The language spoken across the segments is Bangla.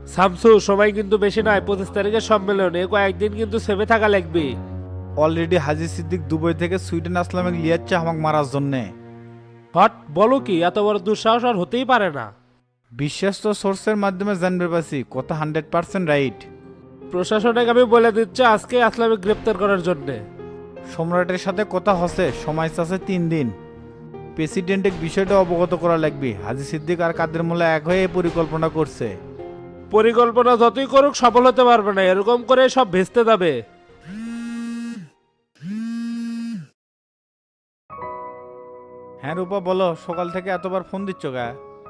শামসু, সময় কিন্তু বেশি নয়, 25 তারিখের সম্মেলন, এ কয়েকদিন কিন্তু সেভে থাকা লাগবে। অলরেডি হাজি সিদ্দিক দুবাই থেকে সুইডেন আসলামে লিয়াচ্ছে আমাকে মারার জন্যে। হট, বলো কি? এত বড় দুঃসাহস আর হতেই পারে না। বিশ্বস্ত সোর্সের মাধ্যমে জানবে পারছি কথা 100% রাইট। প্রশাসনকে আমি বলে দিচ্ছি আজকে আসলামে গ্রেপ্তার করার জন্য। সম্রাটের সাথে কথা হচ্ছে, সময় আছে 3 দিন। প্রেসিডেন্টের বিষয়টা অবগত করা লাগবে। হাজি সিদ্দিক আর কাদের মোল্লা এক হয়ে এই পরিকল্পনা করছে। পরিকল্পনা যতই করুক সফল হতে পারবে না, এরকম করে সব ভেস্তে যাবে। হ্যাঁ রূপা বলো, সকাল থেকে এতবার ফোন দিচ্ছ গা?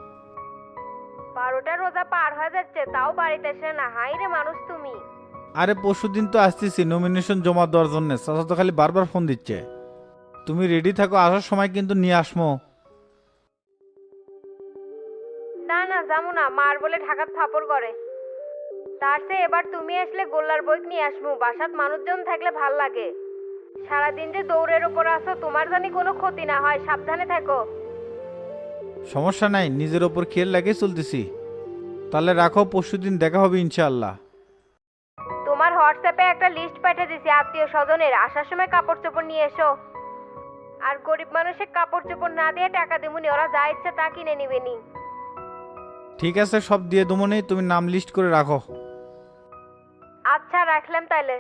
12টা রোজা পার হয়ে যাচ্ছে তাও বাড়িতে এসে না, হাই রে মানুষ তুমি। আরে পরশুদিন তো আসতেছি নমিনেশন জমা দেওয়ার জন্য, চাচা তো খালি বারবার ফোন দিচ্ছে। তুমি রেডি থাকো, আসার সময় কিন্তু নিয়ে আসমো। না না যাবো না, মার বলে ঢাকাত ফাপড় করে। তার চেয়ে এবার তুমি আসলে গোল্লার বই নিয়ে আসমু, বাসাত মানুষজন থাকলে ভাল লাগে। সারাদিন যে দৌড়ের উপর আসো, তোমার জানি কোনো ক্ষতি না হয়, সাবধানে থেকো। সমস্যা নাই, নিজের ওপর খেয়াল লাগিয়ে চলতেছি। তাহলে রাখো, পরশুদিন দেখা হবে ইনশাআল্লাহ। তোমার হোয়াটসঅ্যাপে একটা লিস্ট পাঠিয়ে দিছি আত্মীয় স্বজনের, আসার সময় কাপড় চোপড় নিয়ে এসো। আর গরিব মানুষের কাপড় চোপড় না দিয়ে টাকা দেবুনি, ওরা যা ইচ্ছে তা কিনে নিবেনি। ঠিক আছে, সব দিয়ে দমনেই, তুমি নাম লিস্ট করে রাখো। আচ্ছা রাখলাম তাইলে।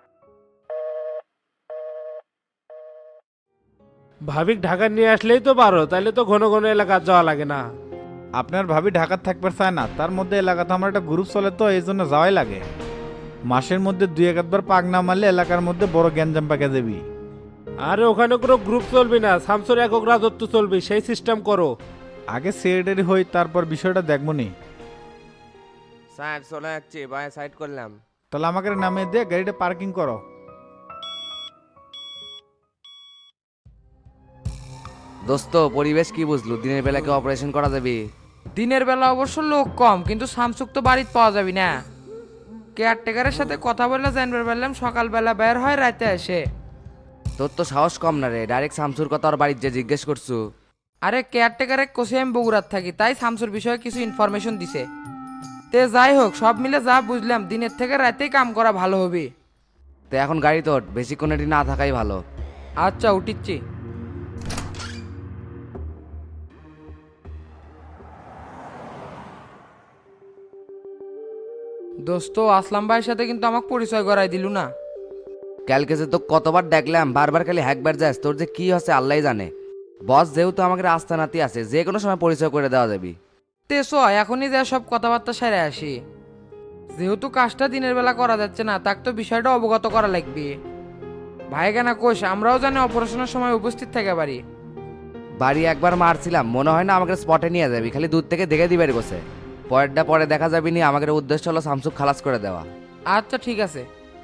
ভাবিক ঢাকা নিয়ে আসলেই তো পারো, তাহলে তো ঘন ঘন এলাকা যাওয়া লাগে না। আপনার ভাবি ঢাকার থাকতে চায় না, তার মধ্যে এলাকাতে আমার একটা গ্রুপ চলে, তো এই জন্য যাওয়াই লাগে। মাসের মধ্যে 2-1 বার পাক না মারলে এলাকার মধ্যে বড় গ্যাঞ্জাম পাকে দেবি। আরে ওখানে কোনো গ্রুপ চলবি না, শামসুর একক রাজত্ব চলবি, সেই সিস্টেম করো। আগে সেক্রেটারি হই, তারপর বিষয়টা দেখবো নি। স্যার চলে যাচ্ছি, বাই সাইড করলাম। তাহলে আমাকে নামিয়ে দিয়ে গাড়িটা পার্কিং করো। দোস্ত পরিবেশ কি বুঝলু, দিনের বেলা কি অপারেশন করা যাবে? দিনের বেলা অবশ্য লোক কম, কিন্তু সামসুক তো বাড়িতে পাওয়া যাবে না। কেয়ারটেকারের সাথে কথা বলে জানতে পারলাম সকালবেলা বের হয়, রাতে আসে। তোর তো সাহস কম না রে, ডাইরেক্ট শামসুর কথা ওর বাড়ির যে জিজ্ঞেস করছু? আরে কেয়ারটেকারের কোষে আমি বগুড়াত থাকি, তাই শামসুর বিষয়ে কিছু ইনফরমেশন দিছে। তে যাই হোক, সব মিলে যা বুঝলাম দিনের থেকে রাতেই কাম করা ভালো হবে। তো এখন গাড়ি তোর, বেশিক্ষণ এটি না থাকাই ভালো। আচ্ছা উঠিচ্ছি। দোস্ত, আসলাম ভাইয়ের সাথে কিন্তু আমাকে পরিচয় করাই দিলু না। কালকে যে তো কতবার দেখলাম, বারবার খালি হ্যাকবার যাস, তোর যে কি হচ্ছে আল্লাহ জানে। বস যেহেতু আমাকে রাস্তা নাতি আছে, যে কোনো সময় পরিচয় করে দেওয়া যাবে। তে চ, এখনই যা সব কথাবার্তা সেরে আসি। যেহেতু কাজটা দিনের বেলা করা যাচ্ছে না, তাকে তো বিষয়টা অবগত করা লাগবে। ভাই কেনা কোষ, আমরাও জানি অপারেশনের সময় উপস্থিত থেকে পারি। বাড়ি একবার মারছিলাম, মনে হয় না আমাকে স্পটে নিয়ে যাবি, খালি দূর থেকে দেখে দিবে গোছে। পরেরটা পরে দেখা যাবে নি, আমাদের উদ্দেশ্য হলো শামসুক খালাস করে দেওয়া। আচ্ছা ঠিক আছে।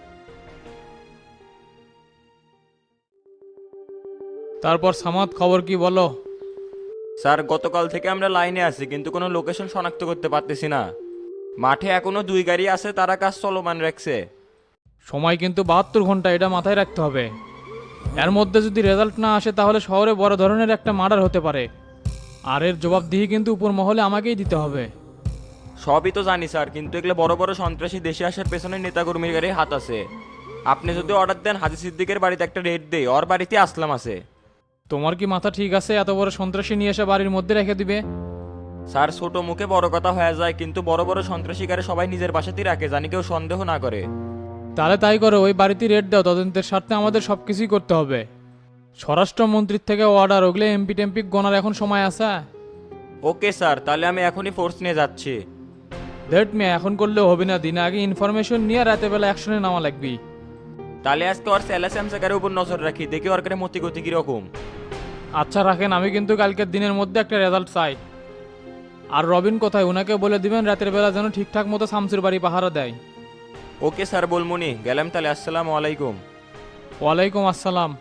তারপর সামাদ, খবর কি বলো? স্যার গতকাল থেকে আমরা লাইনে আছি, কিন্তু কোনো লোকেশন শনাক্ত করতে পারতেছি না। মাঠে এখনো 2 গাড়ি আছে, তারা কাজ চলমান রাখছে। সময় কিন্তু 72 ঘন্টা, এটা মাথায় রাখতে হবে। এর মধ্যে যদি রেজাল্ট না আসে তাহলে শহরে বড় ধরনের একটা মার্ডার হতে পারে। আর এর জবাবদিহি কিন্তু উপর মহলে আমাকেই দিতে হবে। সবই তো জানি স্যার, কিন্তু এগুলো বড় বড় সন্ত্রাসী দেশে আসার পেছনে নেতাকর্মীর গাড়ি হাত আছে। আপনি যদি অর্ডার দেন, হাজি সিদ্দিকের বাড়িতে একটা রেড দেই, ওর বাড়িতে আসলাম আছে। তোমার কি মাথা ঠিক আছে? এত বড় সন্ত্রাসী নিয়ে এসে বাড়ির মধ্যে রেখে দিবে? স্যার ছোট মুখে বড় কথা হয়ে যায়, কিন্তু বড় বড় সন্ত্রাসী গাড়ি সবাই নিজের বাসাতেই রাখে, জানি কেউ সন্দেহ না করে। তাহলে তাই করো, ওই বাড়িতে রেড দাও, তদন্তের স্বার্থে আমাদের সব কিছুই করতে হবে। স্বরাষ্ট্রমন্ত্রীর থেকে অর্ডার, ওগুলো এমপি টেম্পি গোনার এখন সময় আছে? ওকে স্যার, তাহলে আমি এখনই ফোর্স নিয়ে যাচ্ছি। দেট মেয়ে এখন করলেও হবে না, দিনে আগে ইনফরমেশন নিয়ে রাতে বেলা অ্যাকশনে নামা লাগবি। তাহলে আজকে ওর স্যামসাগারের উপর নজর রাখি, দেখি ওর কাছে মতি গতি কিরকম। আচ্ছা রাখেন, আমি কিন্তু কালকের দিনের মধ্যে একটা রেজাল্ট চাই। আর রবিন কোথায়, ওনাকে বলে দিবেন রাতের বেলা যেন ঠিকঠাক মতো শামসুর বাড়ি পাহারা দেয়। ওকে স্যার বলমুনি, গেলাম তাহলে, আসসালামু আলাইকুম। ওয়ালাইকুম আসসালাম।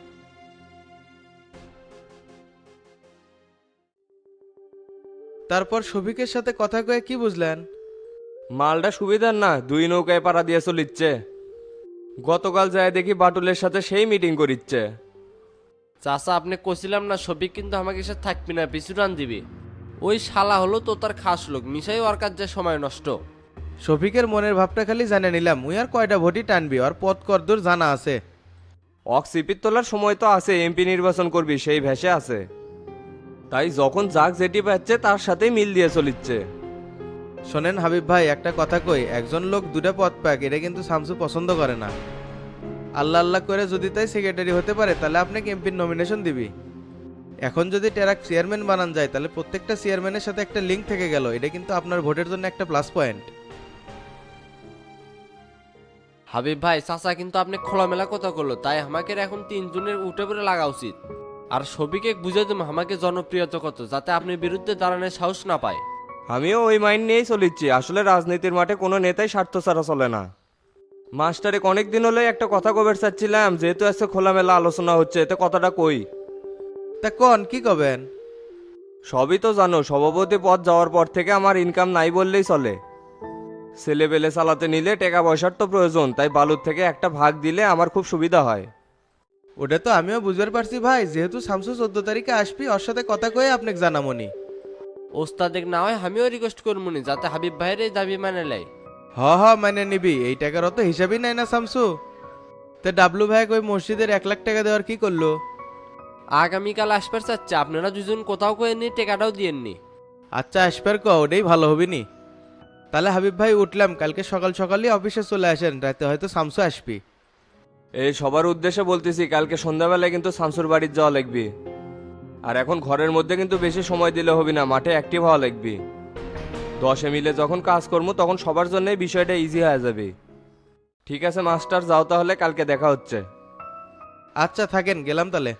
তারপর শফিকের সাথে কথা কয়ে কি বুঝলেন? মালটা সুবিধার না, 2 নৌকায় পাড়া দিয়ে চলিচ্ছে। গতকাল যায় দেখি বাটুলের সাথে সেই মিটিং করিচ্ছে। চাচা, আপনি কছিলাম না শফিক কিন্তু আমাকে এসে থাকবি না, পিছু টান দিবি। ওই শালা হলো তো তার খাস লোক, মিশাই ওর কাজ যে সময় নষ্ট। শফিকের মনের ভাবটা খালি জানে নিলাম, উই আর কয়টা ভোটই টানবি, আর পথ করদূর জানা আছে। সিপির তোলার সময় তো আছে, এমপি নির্বাচন করবি সেই ভেসে আছে। তাই যখন যাক যেটি পাচ্ছে তার সাথেই মিল দিয়ে চলিচ্ছে। শোনেন হাবিব ভাই, একটা কথা কই, একজন লোক দুটা পদ পাক এটা কিন্তু শামসু পছন্দ করে না। আল্লাহ আল্লাহ করে যদি তাই সেক্রেটারি হতে পারে তাহলে আপনাকে এমপির নমিনেশন দিবি। এখন যদি টেরাক চেয়ারম্যান বানান যায় তাহলে প্রত্যেকটা চেয়ারম্যানের সাথে একটা লিঙ্ক থেকে গেল, এটা কিন্তু আপনার ভোটের জন্য একটা প্লাস পয়েন্ট। হাবিব ভাই চাচা কিন্তু আপনি খোলামেলা কথা করলো, তাই আমাকে এখন 3 জনের উঠে পড়ে লাগা উচিত। আর সবিকে বুঝে দেবো আমাকে জনপ্রিয়তা কত, যাতে আপনি বিরুদ্ধে দাঁড়ানোর সাহস না পায়। আমিও ওই মাইন্ড নিয়েই চলিচ্ছি। আসলে রাজনীতির মাঠে কোনো নেতাই স্বার্থ ছাড়া চলে না। মাস্টারে অনেক দিন হলে একটা কথা কবের চাচ্ছিলাম, যেহেতু আজকে খোলামেলা আলোচনা হচ্ছে এতে কথাটা কই। তা কোন কি কবেন? সবই তো জানো, সভাপতি পদ যাওয়ার পর থেকে আমার ইনকাম নাই বললেই চলে। ছেলে পেলে চালাতে নিলে টাকা পয়সার তো প্রয়োজন, তাই বালুর থেকে একটা ভাগ দিলে আমার খুব সুবিধা হয়। ওটা তো আমিও বুঝতে পারছি ভাই, যেহেতু শামসু 14 তারিখে আসবি, ওর সাথে কথা কয়ে আপনাকে জানামনি। ওস্তাদেক না হয় আমিও রিকোয়েস্ট করবনি, যাতে হাবিব ভাইয়ের এই দাবি মানে লাই। হ মানে নিবি, এই টাকার অত হিসাবই নাই না শামসু। তে ডাবলু ভাই ওই মসজিদের 1 লাখ টাকা দেওয়ার কি করলো? আগামীকাল আসবার চাচ্ছে, আপনারা দুজন কোথাও করে নিয়ে টেকাটাও দিয়েননি। আচ্ছা আসবার ক, ওটাই ভালো হবে নি। তাহলে হাবিব ভাই উঠলাম, কালকে সকাল সকালই অফিসে চলে আসেন, রাতে হয়তো শামসু আসবি। এই সবার উদ্দেশ্যে বলতেছি, কালকে সন্ধ্যাবেলায় কিন্তু শামসুর বাড়ির যাওয়া লাগবে। আর এখন ঘরের মধ্যে কিন্তু বেশি সময় দিলে হবে না, মাঠে অ্যাক্টিভ হওয়া লাগবে। 10 মিলে যখন কাজ করবো তখন সবার জন্যই বিষয়টা ইজি হয়ে যাবে। ঠিক আছে মাস্টার, যাও তাহলে, কালকে দেখা হচ্ছে। আচ্ছা থাকেন, গেলাম তাহলে।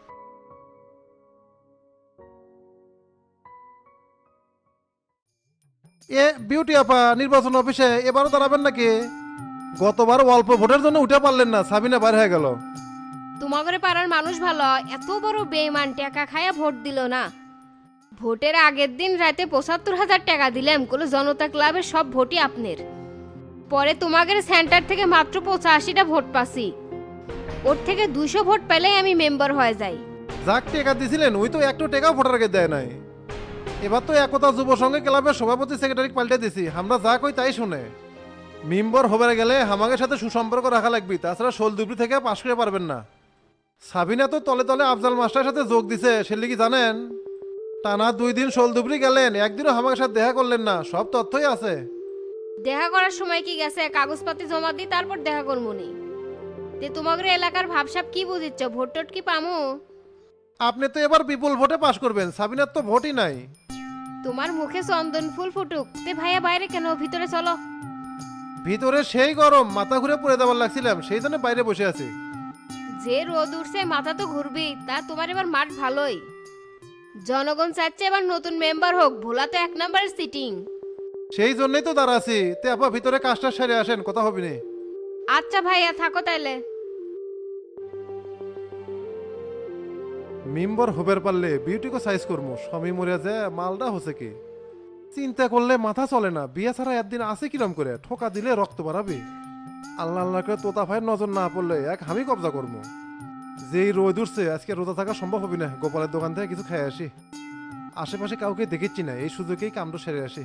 এ বিউটি আপা, নির্বাচন অফিসে এবারও দাঁড়াবেন নাকি? গতবার অল্প ভোটের জন্য উঠে পারলেন না, সাবিনা বাইরে হয়ে গেল। তোমাদের পাড়ার মানুষ ভালো, এত বড় বেইমান টাকা খায়া ভোট দিল না। ভোটের আগের দিন রাতে ৭৫,০০০ টাকা দিলাম, কোনো জনতা ক্লাবের সব ভোটই আপনার। পরে তোমাদের সেন্টার থেকে মাত্র ৮৫টা ভোট পাসি, ওর থেকে 200 ভোট পেলেই আমি মেম্বার হয়ে যাই। যাক টেকা দিছিলেন, ওই তো একটু টেকাও ভোটার আগে দেয় নাই। এবার তো একতা যুব সংঘ ক্লাবের সভাপতি সেক্রেটারি পাল্টে দিছি, আমরা যা কই তাই শুনে। মেম্বার হবার গেলে আমাদের সাথে সুসম্পর্ক রাখা লাগবে, তাছাড়া শোলদুবরি থেকে পাশ করে পারবেন না। সাবিনা তো তলে তলে আফজাল মাস্টারের সাথে যোগ দিছে, সেলে কি জানেন? টানা 2 দিন শোলদুবরি গেলেন, একদিনও আমাদের সাথে দেখা করলেন না, সব তথ্যই আছে। দেখা করার সময় কি গেছে, কাগজপাতি জমা দিই তারপর দেখা করমুনি। তে তোমাদের এলাকার ভাবসাব কি বুঝিচ্ছ, ভোট টোট কি পামু? আপনি তো এবার বিপুল ভোটে পাশ করবেন, সাবিনার তো ভোটই নাই। তোমার মুখে চন্দন ফুল ফুটুক। তে ভাইয়া বাইরে কেন, ভিতরে চলো। ভিতরে সেই গরম, মাথা ঘুরে পড়ে দেওয়ার লাগছিলাম, সেই জন্য বাইরে বসে আছি। যে রোদ উঠছে মাথা তো ঘুরবি, তা তোমার এবার মাঠ ভালোই। জনগণ চাচ্ছে এবার নতুন মেম্বার হোক, ভোলা তো 1 নম্বরের সিটিং। সেই জন্যই তো দাঁড়াছি। তে আপা ভিতরে কাজটা সেরে আসেন, কথা হবে না। আচ্ছা ভাইয়া থাকো তাইলে। মেম্বার হবার পারলে বিউটিকে সাইজ করবো, স্বামী মরে যায় মালটা হচ্ছে কি চিন্তা করলে মাথা চলে না। বিয়ে ছাড়া একদিন আছে কিরম করে, ঠোকা দিলে রক্ত বাড়াবে। আল্লাহ আল্লাহ করে তোতা ভাইয়ের নজর না পড়লে এক আমি কবজা করবো। যেই রোদ উঠছে আজকে রোজা থাকা সম্ভব হবে না, গোপালের দোকান থেকে কিছু খেয়ে আসি। আশেপাশে কাউকে দেখেছি না, এই সুযোগেই কামটা সেরে আসি।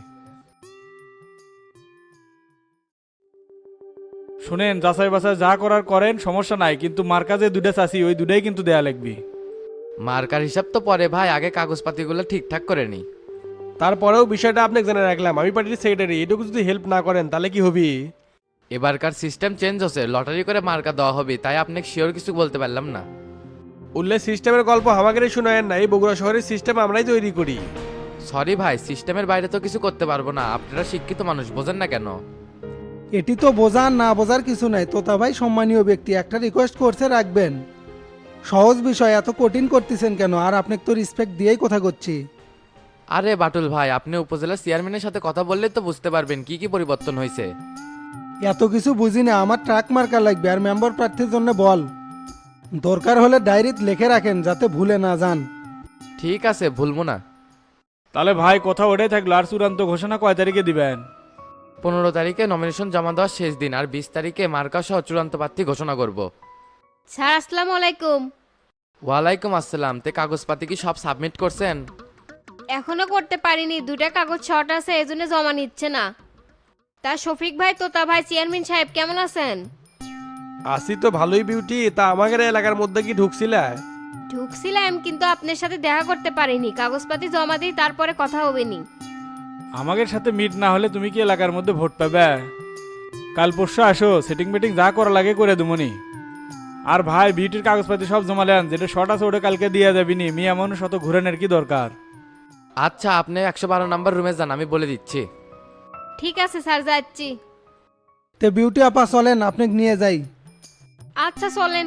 শুনেন, যাচাই বাছাই যা করার করেন, সমস্যা নাই, কিন্তু মার্কা যে 2টা চাষি ওই 2টাই কিন্তু দেয়া লাগবে। মার্কার হিসাব তো পরে ভাই, আগে কাগজপাতিগুলো ঠিকঠাক করে নি। তারপরেও বিষয়টা আপনাকে জানা রাখলাম, আমি পার্টির সেক্রেটারি, এটুকু যদি হেল্প না করেন তাহলে কি হবে? এবারকার সিস্টেম চেঞ্জ হচ্ছে, লটারি করে মার্কা দেওয়া হবে, তাই আপনাকে শিওর কিছু বলতে পারলাম না। উল্লেখ সিস্টেমের গল্প আমাকে শোনায়েন না, এই বগুড়া শহরের সিস্টেম আমরাই তৈরি করি। সরি ভাই, সিস্টেমের বাইরে তো কিছু করতে পারবো না, আপনারা শিক্ষিত মানুষ, বোঝেন না কেন? এটি তো বোঝার না বোঝার কিছু নাই। তোতা ভাই সম্মানীয় ব্যক্তি, একটা রিকোয়েস্ট করছে রাখবেন। সহজ বিষয় এত কঠিন করতেছেন কেন? আর আপনাকে তো রেসপেক্ট দিয়েই কথা করছি। আরে বাটুল ভাই, আপনি উপজেলা চেয়ারম্যানের সাথে কথা বললে তো বুঝতে পারবেন কি কি পরিবর্তন হয়েছে। এত কিছু বুঝি না, আমার ট্রাক মার্কা লাগবে আর মেম্বার প্রার্থীর জন্য বল। দরকার হলে ডায়েরিতে লিখে রাখেন যাতে ভুলে না যান। ঠিক আছে, ভুলবো না। তাহলে ভাই কথা ওটাই থাকলো, আর চূড়ান্ত ঘোষণা কয় তারিখে দিবেন? 15 তারিখে নমিনেশন জমা দেওয়ার শেষ দিন, আর 20 তারিখে মার্কা সহ চূড়ান্ত প্রার্থী ঘোষণা করব। স্যার আসসালামু আলাইকুম। ওয়ালাইকুম আসসালাম। তে কাগজপাতি কি সব সাবমিট করছেন? এখনো করতে পারিনি, 2টা কাগজ শর্ট আছে, এজন্য জমা নিচ্ছে না। তা শফিক ভাই তোতা ভাই চেয়ারম্যান সাহেব কেমন আছেন? আসি তো ভালোই বিউটি, তা আমাদের এলাকার মধ্যে কি ঢুকছিলা? ঢুকছিলাম কিন্তু আপনার সাথে দেখা করতে পারিনি, কাগজপাতি জমা দিই তারপরে কথা হবে নি। আমাদের সাথে মিট না হলে তুমি কি এলাকার মধ্যে ভোট পাবে? কাল পরশু আসো, সেটিং মিটিং যা করা লাগে করে দেবনি। আর ভাই বিউটির কাগজপাতি সব জমা নেন, যেটা শর্ট আছে ওটা কালকে দিয়ে যাবিনি। মেয়ে মানুষ অত ঘুরানোর কি দরকার? আচ্ছা আপনি 112 নাম্বার রুমে যান, আমি বলে দিচ্ছি। ঠিক আছে স্যার, যাচ্ছি। তে বিউটি আপা চলেন আপনাকে নিয়ে যাই। আচ্ছা চলেন।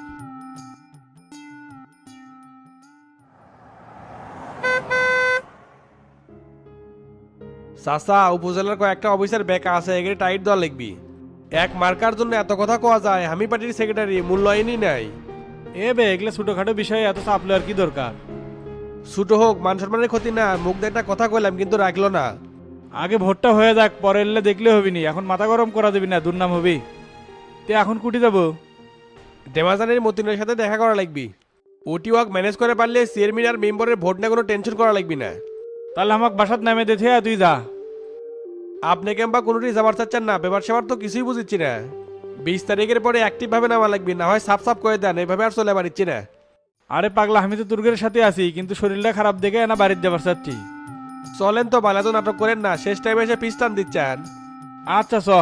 চাচা, উপজেলার কয়েকটা অফিসার বেকা আছে, এগুলি টাইট দেওয়া লিখবি। এক মার্কার জন্য এত কথা কোয়া যায়? আমি পার্টির সেক্রেটারি, মূল্যায়নই নাই। এ বে, এগুলো ছোটখাটো বিষয়ে এত চাপ লওয়ার কি দরকার? ছোট হোক, মান সম্মানের ক্ষতি না। মুখ দিয়ে একটা কথা কইলাম কিন্তু রাখলো না। আগে ভোটটা হয়ে যাক, পরে এলে দেখলে হবি নি। এখন মাথা গরম করা দেবি না, দুর্নাম হবি। তে এখন কুটি যাবো? ডেমাজানের মতিনের সাথে দেখা করা লাগবি। ওটি ওয়াক ম্যানেজ করে পারলে চেয়ারম্যান আর মেম্বারের ভোট নিয়ে কোনো টেনশন করা লাগবি না। তাহলে আমাকে বাসাত নামে দে, তুই যা। আপনি কেমবা কোনোটি যাবার চাচ্ছেন না? ব্যাপার সেবার তো কিছুই বুঝিচ্ছি না। 20 তারিখের পরে অ্যাক্টিভ ভাবে নামা লাগবি, না হয় সাফ সাফ করে দেন। এইভাবে আর চলে পারিচ্ছি না। আরে পাগলা, আমি তো তুর্গের সাথে আছি, কিন্তু শরীরটা খারাপ দেখে না বাড়িতে যাবার চাচ্ছি। চলেন তো, বালা তো নাটক করেন না। শেষ টাইমে এসে পিস্টান দিচ্ছেন। আচ্ছা চ।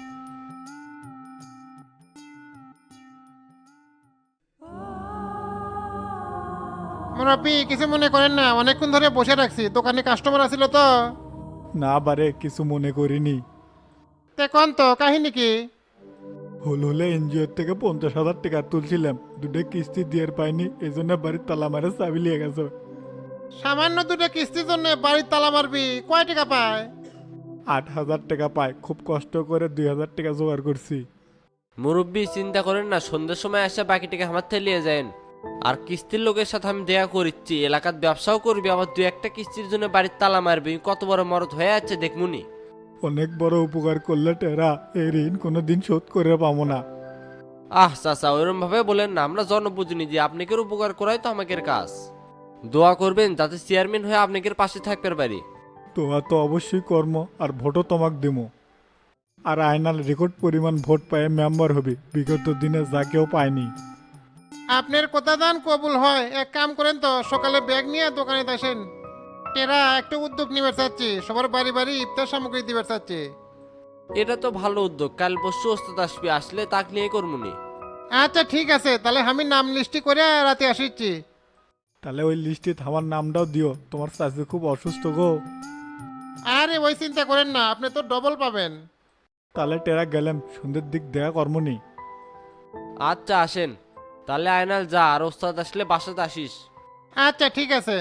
মুরব্বী কিছু মনে করেন না, অনেকক্ষণ ধরে বসে রাখছি, দোকানে কাস্টমার আছিল তো। না বারে, কিছু মনে করিনি। তে কোন তো কাহিনী কি? হলে এনজিওর থেকে 50,000 টাকা তুলছিলাম, দুটো কিস্তি দিয়ে পাইনি, এই জন্য বাড়ির তালা মারে চাবি লিয়ে গেছে। সামান্য দুটো কিস্তির জন্য বাড়ির তালা মারবি? কয় টাকা পায়? 8,000 টাকা পায়। খুব কষ্ট করে 2,000 টাকা জোগাড় করছি। মুরব্বী চিন্তা করেন না, সন্ধ্যের সময় এসে বাকি টাকা আমার থেকে যান। আর কিস্তির লোকের সাথে আমি দেয়া করিচ্ছি, এলাকার ব্যবসাও করবি, আবার 2-1টা কিস্তির জন্য বাড়ির তালা মারবি। কত বড় মরদ হয়ে যাচ্ছে দেখমুনি। অনেক বড় উপকার করলে টেরা, এই ঋণ কোনোদিন শোধ করে পাবো না। আহ চাচা, ওইরকম ভাবে বলেন না। আমরা জনপ্রতিনিধি, যে আপনাকে উপকার করাই তো আমাদের কাজ। দোয়া করবেন যাতে চেয়ারম্যান হয়ে আপনাদের পাশে থাকতে পারি। তোয়া তো অবশ্যই কর্ম, আর ভোটও তোমাক দিমো। আর আয়নাল রেকর্ড পরিমাণ ভোট পায়ে মেম্বার হবে, বিগত দিনে যা কেউ পায়নি। আপনার কথা দান কবুল হয়। এক কাম করেন তো, সকালে ব্যাগ নিয়ে দোকানে আসেন। এরা একটা উদ্যোগ নিবে চাচ্ছি, সবার বাড়ি বাড়ি ইফতার সামগ্রী দিবে চাচ্ছি। এটা তো ভালো উদ্যোগ। কাল পরশু ওস্তাদ আসবি, আসলে তাক নিয়ে করমুনি। আচ্ছা ঠিক আছে, তাহলে আমি নাম লিস্টি করে রাতে আসিচ্ছি। তাহলে ওই লিস্টে আমার নামটাও দিও, তোমার চাষি খুব অসুস্থ গো। আরে ওই চিন্তা করেন না, আপনি তো ডবল পাবেন। তাহলে টেরা গেলাম, সন্ধ্যের দিক দেখা কর্মনি। আচ্ছা আসেন তাহলে। আয়নাল যা, আর ওস্তাদ আসলে বাসাতে আসিস। আচ্ছা ঠিক আছে।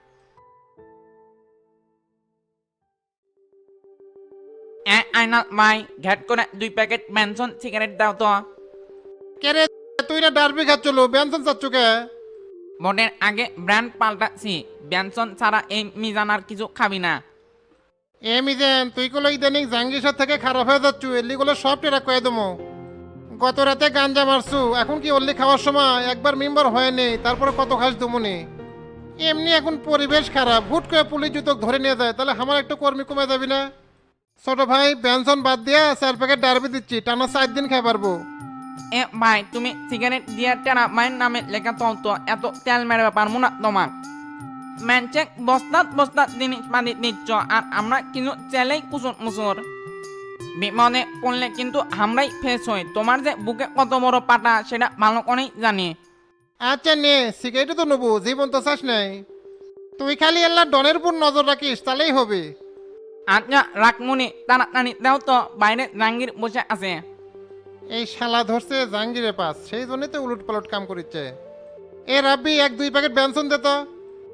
আয়নাল ভাই, ঘ্যাট করে 2 প্যাকেট ম্যানসন সিগারেট দাও তো। কে রে, তুই না ডারবি খাচ্ছিল, বেনসন চাচ্ছু কে? ভোটের আগে ব্র্যান্ড পাল্টাচ্ছি, ব্যানসন ছাড়া এই মিজান আর কিছু খাবি না। এ মিজেন, তুই গুলো ইদানিং জাঙ্গিসার থেকে খারাপ হয়ে যাচ্ছু, এলিগুলো সব টেরা কয়ে দেবো। গত রাতে গাঞ্জা মারছু, এখন কি অল্লি খাওয়ার সময় একবার মেম্বার হয়ে নেই, তারপরে কত খাস দুমুনি। এমনি এখন পরিবেশ খারাপ, হুট করে পুলিশ জুতোক ধরে নিয়ে যায়, তাহলে আমার একটু কর্মী কমে যাবি না? ছোট ভাই, বেনসন বাদ দিয়া 4 প্যাকেট ডারবি দিচ্ছি, টানা 4 দিন খাই পারবো। এ ভাই, তুমি সিগারেট দিয়ে টেরা মায়ের নামে লেখা তো এত তেল মেরে পারবো না তোমার। ম্যানচেক বস্তাত বস্তাত জিনিস পাতি দিচ্ছ, আর আমরা কিন্তু চেলেই কুসুর মুসুর। বিপদে পড়লে কিন্তু আমরাই ফেস হই। তোমার যে বুকে কত বড় পাটা সেটা ভালো করেই জানি। আচ্ছা নে, সিগারেটও তো নেবো, জীবন তো চাস নাই। তুই খালি আল্লাহ ডনের উপর নজর রাখিস, তাহলেই হবে। আচ্ছা রাখমুনি, তাড়াতাড়ি দাও তো, বাইরে জাঙ্গির বসে আছে। এই শালা ধরছে জাঙ্গিরে পাস, সেই জন্যই তো উলট পালট কাম করিচ্ছে। এ রাব্বি, 1-2 প্যাকেট বেনসন দে তো।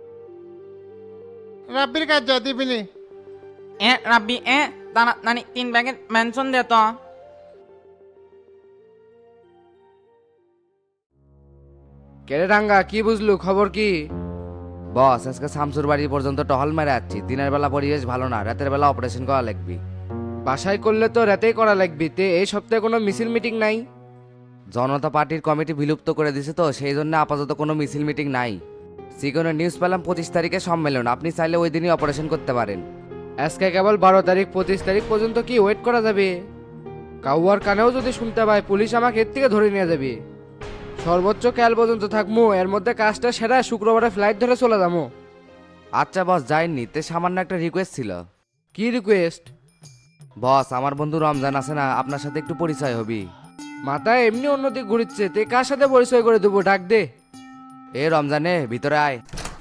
রাব্বির কাজ যা দিবিনি। এ রাব্বি, তাড়াতাড়ি 3 প্যাকেট মেনশন দে তো। কেরে রাঙ্গা, কি বুঝলু? খবর কি? বস, আজকে শামসুর বাড়ি পর্যন্ত টহল মেরে যাচ্ছি। দিনের বেলা পরিবেশ ভালো না, রাতের বেলা অপারেশন করা লাগবে। বাসায় করলে তো রাতেই করা লাগবে। তে এই সপ্তাহে কোনো মিছিল মিটিং নাই? জনতা পার্টির কমিটি বিলুপ্ত করে দিছে তো, সেই জন্য আপাতত কোনো মিছিল মিটিং নাই। সিগনে নিউজ পেলাম 25 তারিখে সম্মেলন, আপনি চাইলে ওই দিনই অপারেশন করতে পারেন। আজকে কেবল 12 তারিখ 25 তারিখ পর্যন্ত কি ওয়েট করা যাবে? কাউয়ার কানেও যদি শুনতে পাই পুলিশ আমাকে এর থেকে ধরে নিয়ে যাবে। সর্বোচ্চ কাল পর্যন্ত থাকবো, এর মধ্যে কাজটা সেরা শুক্রবারে ফ্লাইট ধরে চলে যাবো। আচ্ছা বস, যাইনি তে সামান্য একটা রিকোয়েস্ট ছিল। কি রিকোয়েস্ট? বস, আমার বন্ধু রমজান আছে না, আপনার সাথে একটু পরিচয় হবি। মাথায় এমনি অন্যদিক ঘুরিচ্ছে, তে কার সাথে পরিচয় করে দেবো? ডাক দে। এ রমজানে ভিতরে আয়।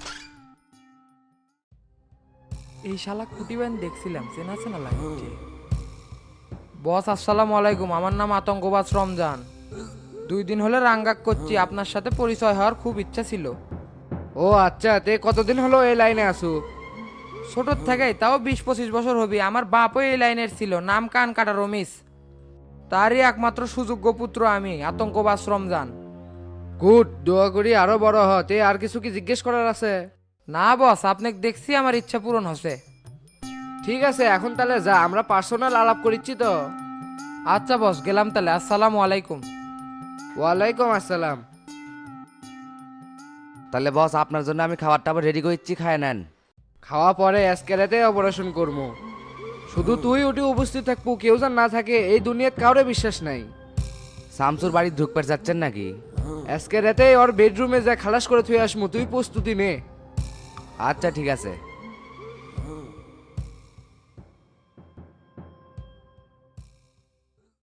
এই শালা কুটিবেন দেখছিলাম, চেনা চেনা লাগছে। বস আসসালামু আলাইকুম, আমার নাম আতঙ্কবাজ রমজান। 2 দিন হলে রাঙ্গাক করছি, আপনার সাথে পরিচয় হওয়ার খুব ইচ্ছা ছিল। ও আচ্ছা, তে কতদিন হলো এই লাইনে আসু? ছোটোর থেকেই, তাও 20-25 বছর হবে। আমার বাপও এই লাইনের ছিল, নাম কান কাটা রমেশ। তারই একমাত্র সুযোগ্য পুত্র আমি, আতঙ্কবাজ রমজান। গুড, দোয়া করি আরো বড় হ। তে আর কিছু কি জিজ্ঞেস করার আছে? না বস, আপনাকে দেখছি আমার ইচ্ছা পূরণ হচ্ছে। ঠিক আছে, এখন তাহলে যা, আমরা পার্সোনাল আলাপ করিচ্ছি তো। আচ্ছা বস, গেলাম তাহলে। আসসালামু আলাইকুম। ওয়ালাইকুম আসসালাম। তাহলে বস, আপনার জন্য আমি খাবার টাবার রেডি করছি, খায় নেন। খাওয়া পরে আজকে রাতে অপারেশন করবো। শুধু তুই উঠে উপস্থিত থাকবো, কেউ যেন না থাকে, এই দুনিয়াত কাউরে বিশ্বাস নাই। শামসুর বাড়ি ঢুকতে যাচ্ছেন নাকি? আজকে রাতে ওর বেডরুমে যা খালাস করে থুয়ে আসমু, তুই প্রস্তুতি নে। আচ্ছা ঠিক আছে।